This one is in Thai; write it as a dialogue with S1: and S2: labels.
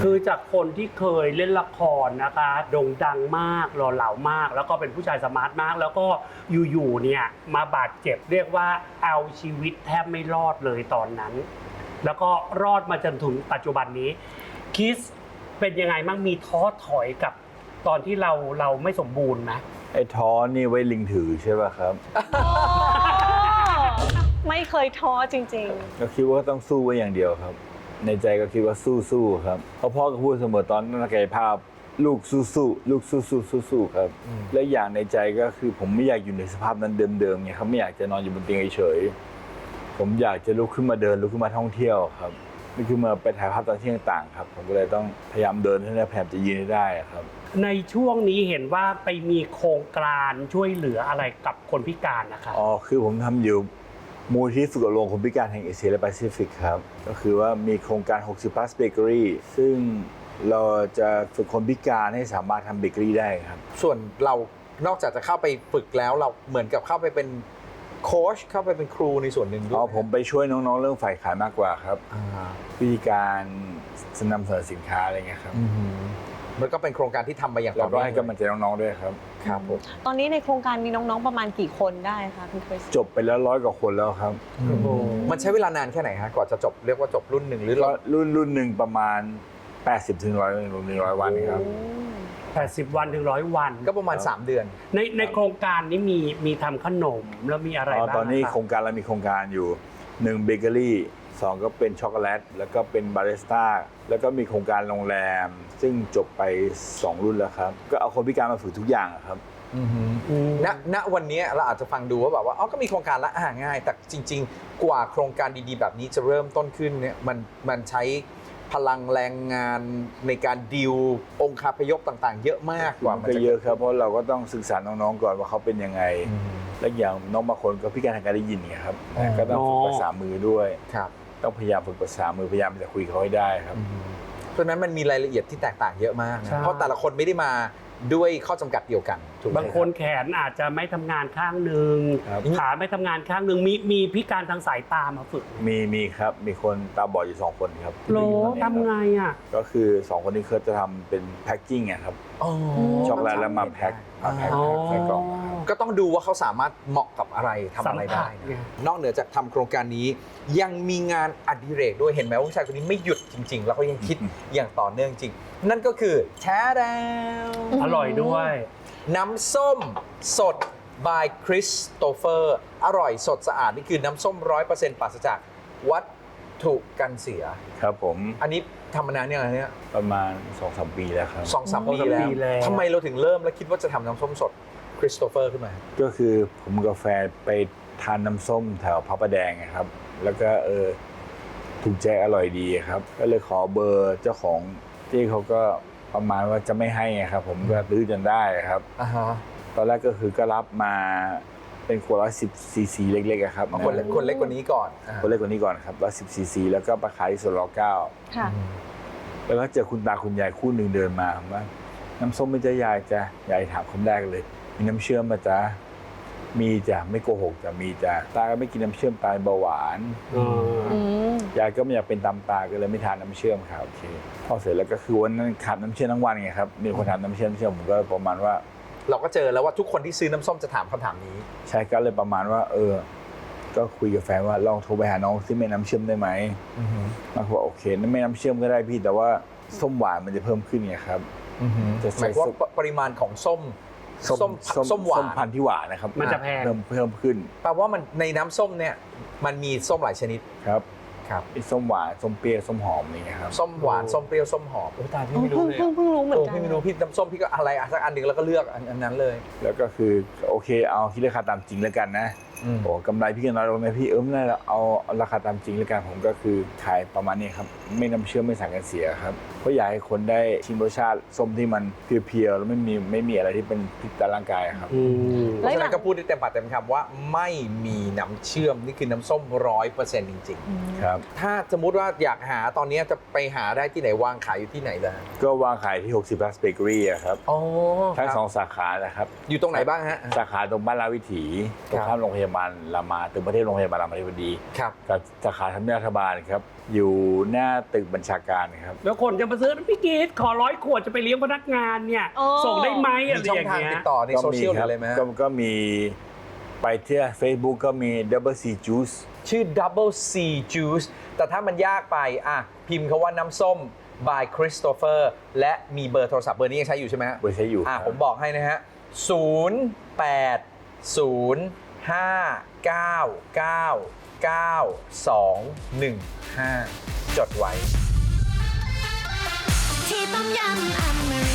S1: คือจากคนที่เคยเล่นละครนะคะโด่งดังมากหล่อเหลามาก แล้วก็เป็นผู้ชายสมาร์ทมาก แล้วก็อยู่ๆเนี่ยมาบาดเจ็บเรียกว่าเอาชีวิตแทบไม่รอดเลยตอนนั้น แล้วก็รอดมาจนถึงปัจจุบันนี้คิสเป็นยังไงบ้างมีท้อถอยกับตอนที่เราไม่สมบูรณ์ไหม
S2: ไอ้ท้อนี่ไว้ลิงถือใช่ป่ะครับ
S3: ไม่เคยท้อจริง
S2: ก็คิดว่าต้องสู้ไว้อย่างเดียวครับ ในใจก็คิดว่าสู้ๆครับเพราะพ่อก็พูดเสมอตอนนักกายภาพลูกสู้ๆลูกสู้ๆครับและอย่างในใจก็คือผมไม่อยากอยู่ในสภาพนั้นเดิมๆไงครับไม่อยากจะนอนอยู่บนเตียงเฉยๆผมอยากจะลุกขึ้นมาเดินลุกขึ้นมาท่องเที่ยวครับลุกขึ้นมาไปถ่ายภาพตอนที่ต่างๆครับผมก็เลยต้องพยายามเดินให้ได้พยายามจะยืนให้ได้ครับ
S1: ในช่วงนี้เห็นว่าไปมีโครงการช่วยเหลืออะไรกับคนพิการนะคะ
S2: อ๋อคือผมทำอยู่มูลที่ฝึกอบรมคนพิการแห่งเอเชียและแปซิฟิกครับก็คือว่ามีโครงการ60 plus bakery ซึ่งเราจะฝึกคนพิการให้สามารถทำเบเกอรี่ได้ครับ
S4: ส่วนเรานอกจากจะเข้าไปฝึกแล้วเราเหมือนกับเข้าไปเป็นโค้ชเข้าไปเป็นครูในส่วนหนึ่งด้วย
S2: อ๋อผมไปช่วยน้องๆเรื่องฝ่ายขายมากกว่าครับ
S4: อ่า
S2: วิธีการนำเสนอสินค้าอะไรเงี้ยครับ
S4: มันก็เป็นโครงการที่ทำมาอย่าง
S2: เรา
S4: ต่อ
S2: ก็
S4: เนื่อง
S2: ให้กำลังใจน้องๆด้วยครับ
S4: ครับผม
S3: ๆ ตอนนี้ในโครงการมีน้องๆประมาณกี่คนได้คะคุณคริส
S2: จบไปแล้ว100 กว่าคนแล้วครับ
S4: มันใช้เวลานานแค่ไหนฮะก่อนจะจบเรียกว่าจบรุ่นหนึ่งหรือ
S2: ก็
S4: เรา
S2: รุ่นหนึ่งประมาณ 80 ถึง 100 วันครับ
S1: 80 วันถึง100 วัน
S4: ก็ประมาณ 3 เดือน
S1: ในโครงการนี้มีทำขนมแล้วมีอะไรบ้าง
S2: ตอนนี้
S1: ะ
S2: โครงการเรามีโครงการอยู่1เบเกอรี่2ก็เป็นช็อกโกแลตแล้วก็เป็นบาริสต้าแล้วก็มีโครงการโรงแรม ซึ่งจบไป2รุ่นแล้วครับก็เอาคนพิการมาฝึกทุกอย่างครับ
S4: ณวันนี้เราอาจจะฟังดูว่าแบบว่าอ๋อก็มีโครงการละง่าย แต่จริง ๆ กว่าโครงการดีๆ แบบนี้จะเริ่มต้นขึ้นเนี่ยมันใช้พลังแรงงานในการดีลองคาพยพต่างๆ เยอะมากกว่า
S2: มันก็เยอะครับเพราะเราก็ต้องศึกษาน้องๆก่อนว่าเขาเป็นยังไง และอย่างน้องบางคนก็พิการทางการได้ยินไงครับก็ต้องฝึกภาษามือด้วย
S4: ครับ
S2: ต้องพยายามฝึกภาษามือพยายามจะคุยเขาให้ได้ครับ
S4: เพราะฉะนั้นมันมีรายละเอียดที่แตกต่างเยอะมากนะ
S1: ใช่
S4: เพราะแต่ละคนไม่ได้มาด้วยข้อจำกัดเดียวกันถูกไหม
S1: บางคนแขนอาจจะไม่ทำงานข้างหนึ่ง
S2: ครับ
S1: ขาไม่ทำงานข้างหนึ่งมีพิการทางสายตามาฝึกไหม
S2: มีครับมีคนตาบอดอยู่2 คนครับ
S1: โล
S2: ที่อยู่ตอนนี้ครับ
S1: ทำไงอ่ะ
S2: ก็คือ2 คนนี้เขาจะทำเป็นแพ็กกิ้งครับ
S4: อ๋อ
S2: ช็อกโกแลตแล้วมาแพ็คใส่กล่องครับ
S4: ก็ต้องดูว่าเขาสามารถเหมาะกับอะไรทำอะไรได้
S1: สัมผัสไง
S4: นอกเหนือจากทำโครงการนี้ยังมีงานอดิเรกด้วยเห็นไหมว่าผู้ชายคนนี้ไม่หยุดจริง ๆ แล้วก็ยังคิดอย่างต่อเนื่องจริง นั่นก็คือแท้ดาว
S1: อร่อยด้วย
S4: น้ำส้มสด by Christopher อร่อยสดสะอาดนี่คือน้ำส้ม 100% ปราศจากวัตถุกันเสีย
S2: ครับผม
S4: อันนี้ทำมานานยังไงเนี่ย
S2: ประมาณ 2-3 ปีแล้วครับ
S4: 2-3 ปี
S1: 2-3 ปีแล้
S4: แล้ว
S1: ว
S4: ทำไมเราถึงเริ่มแล้วคิดว่าจะทำน้ำส้มสด Christopher ขึ้นมา
S2: ก็คือผมกับแฟนไปทานน้ำส้มแถวพระประแดงครับ แล้วก็ถูกใจอร่อยดีครับ ก็เลยขอเบอร์เจ้าของที่เขาก็ประมาณว่าจะไม่ให้ครับผมก็ตื้อจนได้ครับ
S4: อ่าฮะ
S2: ตอนแรกก็คือก็รับมาเป็นขวด110 ซีซีเล็กๆครับ
S4: คนเล็กกว่านี้ก่อน
S2: คนเล็กกว่านี้ก่อนครับ110 ซีซีแล้วก็ไปขายที่สวนร9
S3: ค่ะ
S2: แล้วก็เจอคุณตาคุณยายคู่หนึ่งเดินมาผมว่าน้ำส้มไม่จะยายจ้ะยายถามคำแรกเลย มีน้ำเชื่อมมาจ้ะมีจ้ะไม่โกหกจ้ะมีจ้ะตาก็ไม่กินน้ำเชื่อมตายเบาหวาน
S1: อืม
S2: ยายก็ไม่อยากเป็นตามตาก็เลยไม่ทานน้ำเชื่อมครับโอเคพอเสร็จแล้วก็คือวันนั้นขาดน้ำเชื่อมทั้งวันไงครับมีคนถามน้ำเชื่อมผมก็ประมาณว่า
S4: เราก็เจอแล้วว่าทุกคนที่ซื้อน้ำส้มจะถามคำถามนี้
S2: ใช่ก็เลยประมาณว่าก็คุยกับแฟนว่าลองโทรไปหาน้องที่แม่น้ำเชื่อมได้ไหมมาบอกโอเคนั่นแม่น้ำเชื่อมก็ได้พี่แต่ว่าส้มหวานมันจะเพิ่มขึ้นไงครับ จะ
S4: ห
S2: ใส่
S4: มายความว่าปริมาณของส้มหวาน
S2: พันธุ์ที่หวานนะครับ
S1: มันจะแพง
S2: เพิ่มขึ้น
S4: แปลว่ามันในน้ำส้มเนี่ยมันมีส้มหลายชนิด
S2: ครับ
S4: ครับ
S2: มีส้มหวานส้มเปรี้ยวส้มหอมนี่ครับ
S4: ส้มหวานส้มเปรี้ยวส้มหอมโอ้ตายพี่ไม่รู้เลย
S3: เพิ่งรู้เหมือนกัน
S4: พี่ไม่รู้พี่น้ำส้มพี่ก็อะไรสักอันหนึ่งแล้วก็เลือกอันนั้นเลย
S2: แล้วก็คือโอเคเอาคิดราคาตามจริงแล้วกันนะโอ้กำไรพี่ก็น้อยลงนะพี่ไม่ได้แล้วเอาราคาตามจริงแล้วกันผมก็คือขายประมาณนี้ครับไม่น้ำเชื่อมไม่สารกันเสียครับเพราะอยากให้คนได้ชิมรสชาติส้มที่มันเพียวๆแล้วไม่มีอะไรที่เป็นพิษต่อร่างกายครับ
S1: อืม
S4: เพราะฉะนั้นก็พูดได้เต็มปากเต็มคำว่าไม่มีน้ำเชื่อมนี่คือน้ำส้ม 100% จริง
S2: ครับ
S4: ๆ ถ้าสมมติว่าอยากหาตอนนี้จะไปหาได้ที่ไหนวางขายอยู่ที่ไหนล่ะ
S2: ก็วางขายที่60 plus bakery อะครับ
S4: อ๋อ
S2: ทั้ง
S4: ครับ
S2: 2 สาขานะครับ
S4: อยู่ตรงไหนบ้างฮะ
S2: สาขาตรงบ้านราชวิถีตรงข้ามโรงพยาบาลาบาลรามาตึกประเทศโรงพยาบาลรามาธิบดี
S4: ครับ
S2: กับสาขาทำเนียบรัฐบาลครับอยู่หน้าตึกบัญชาการครับ
S1: แล้วคนจะมาซื้อพี่กีดขอ100 ขวดจะไปเลี้ยงพนักงานเนี่ย
S3: โอ้
S1: ส่งได้ไหม
S4: มี
S1: อะไร
S4: ช่อ
S1: อง ย่าง
S4: ทาง
S1: เงี้
S4: ติ
S1: ย
S4: ดต่อในโซเชียลหรืออะไรไหมฮะ
S2: ก็มีไปที่ Facebook ก็มี Double C Juice
S4: ชื่อ Double C Juice แต่ถ้ามันยากไปพิมพ์คาว่าน้ำส้ม by Christopher และมีเบอร์โทรศัพท์เบอร์นี้ยังใช้อยู่ใช่ไหมฮะ
S2: เบอร์ใช้อยู่ครับ
S4: ผมบอกให้นะฮะ 0805999215 จดไว้
S5: ที่ต้มยำอเมริ